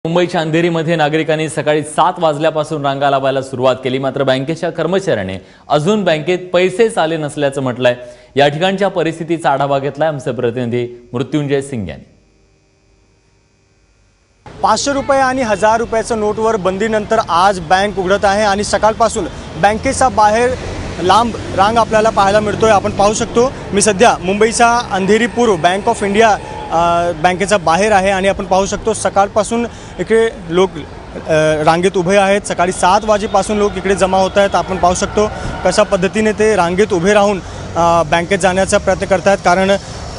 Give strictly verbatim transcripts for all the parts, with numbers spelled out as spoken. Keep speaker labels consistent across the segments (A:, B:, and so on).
A: मुंबईच्या अंधेरीमध्ये नागरिकांनी सकाळी सात वाजल्यापासून रांगा लावायला सुरुवात केली। मात्र बँकेच्या कर्मचाऱ्याने अजून बँकेत पैसेच आले नसल्याचं म्हटलंय। या ठिकाणच्या परिस्थितीचा आढावा घेतलाय आमचे प्रतिनिधी मृत्युंजय सिंग यांनी।
B: पाचशे रुपये आणि हजार रुपयाच्या नोटवर बंदीनंतर आज बँक उघडत आहे आणि सकाळपासून बँकेच्या बाहेर लांब रांग आपल्याला पाहायला मिळतोय। आपण पाहू शकतो मी सध्या मुंबईचा अंधेरी पूर्व बँक ऑफ इंडिया बँकेचा बाहेर आहे आणि आपण पाहू शकतो सकाळपासून इकडे लोक रांगेत उभे आहेत। सकाळी सात वाजेपासून लोक इकडे जमा होत आहेत। आपण पाहू शकतो कशा पद्धतीने ते रांगेत उभे राहून बँकेत जाण्याचा प्रयत्न करत आहेत, कारण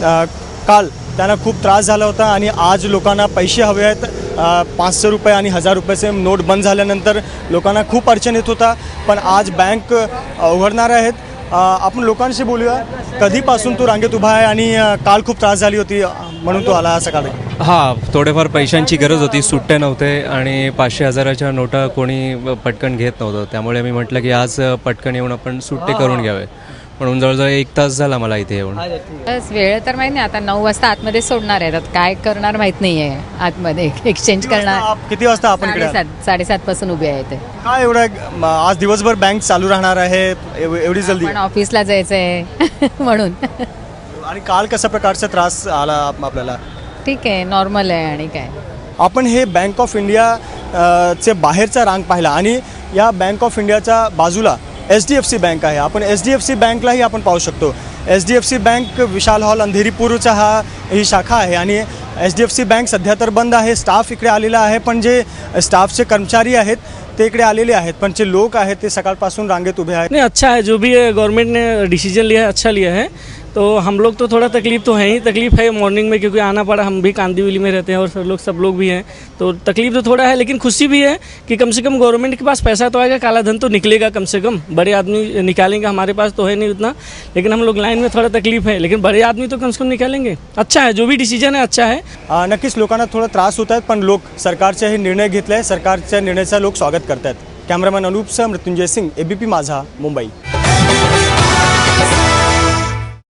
B: काल त्यांना खूप त्रास झाला होता आणि आज लोकांना पैसे हवे आहेत। पाचशे रुपये आणि हजार रुपयाचे नोट बंद झाल्यानंतर लोकांना खूप अडचण येत होता, पण आज बँक उघडणार आहेत। आपण लोकांशी बोलूया, कधीपासून तू रांगेत उभा आहे आणि काल खूप त्रास झाली होती म्हणून तू आला सकाळी?
C: हां, थोडेफार पैशांची गरज होती, सुट्टे नव्हते आणि पाचशे हजाराच्या नोटा कोणी पटकन घेत नव्हतं, त्यामुळे मी म्हटलं की आज पटकन येऊन आपण सुट्टे करून घ्यावे, म्हणून जवळजवळ एक तास झाला मला इथे येऊन।
D: बस वेळ तर माहिती नाही, आता नऊ वाजता आतमध्ये सोडणार आहेत, आता काय करणार माहित नाहीये, आतमध्ये एक्सचेंज करणार।
B: किती वाजता आपण इकडे?
D: साडेसात साडेसात पासून उभे आहे ते।
B: काय एवढं आज दिवसभर बँक चालू राहणार आहे एवढी जल्दी?
D: पण ऑफिसला जायचंय म्हणून।
B: आणि काल कशा प्रकारचा त्रास आला आपल्याला?
D: ठीक आहे, नॉर्मल आहे। आणि काय
B: आपण हे बँक ऑफ इंडिया चे बाहेरचा रांग पाहिला आणि या बँक ऑफ इंडियाच्या बाजूला H D F C bank आहे। आपण एच डी एफ सी बँकलाही आपण पाहू शकतो। H D F C bank Vishal hall Andheri पूर्वचा हा ही शाखा आहे आणि H D F C bank सध्या तर बंद आहे। स्टाफ इकडे आलेला आहे, पण जे स्टाफचे कर्मचारी आहेत ते इकडे आलेले आहेत, पण जे लोक आहेत ते सकाळपासून रांगेत उभे आहेत।
E: नहीं, अच्छा है जो भी है, गवर्नमेंट ने डिसीजन लिया है, अच्छा लिया है। तो हम लोग तो थोड़ा तकलीफ तो है ही, तकलीफ है मॉर्निंग में क्योंकि आना पड़ा, हम भी कांदिवली में रहते हैं और सब लोग सब लोग भी हैं, तो तकलीफ तो थोड़ा है, लेकिन खुशी भी है कि कम से कम गवर्नमेंट के पास पैसा तो आएगा, काला धन तो निकलेगा कम से कम। बड़े आदमी निकालेंगे, हमारे पास तो है नहीं उतना, लेकिन हम लोग लाइन में थोड़ा तकलीफ है, लेकिन बड़े आदमी तो कम से कम निकालेंगे। अच्छा है, जो भी डिसीजन है अच्छा है।
B: नक्कीच लोकांना थोडा त्रास होत आहेत, पण लोक सरकारचे हे निर्णय घेतले, सरकारच्या निर्णयाचा लोक स्वागत करतात। कॅमेरामॅन अनूप सह मृत्युंजय सिंग, एबीपी माझा, मुंबई।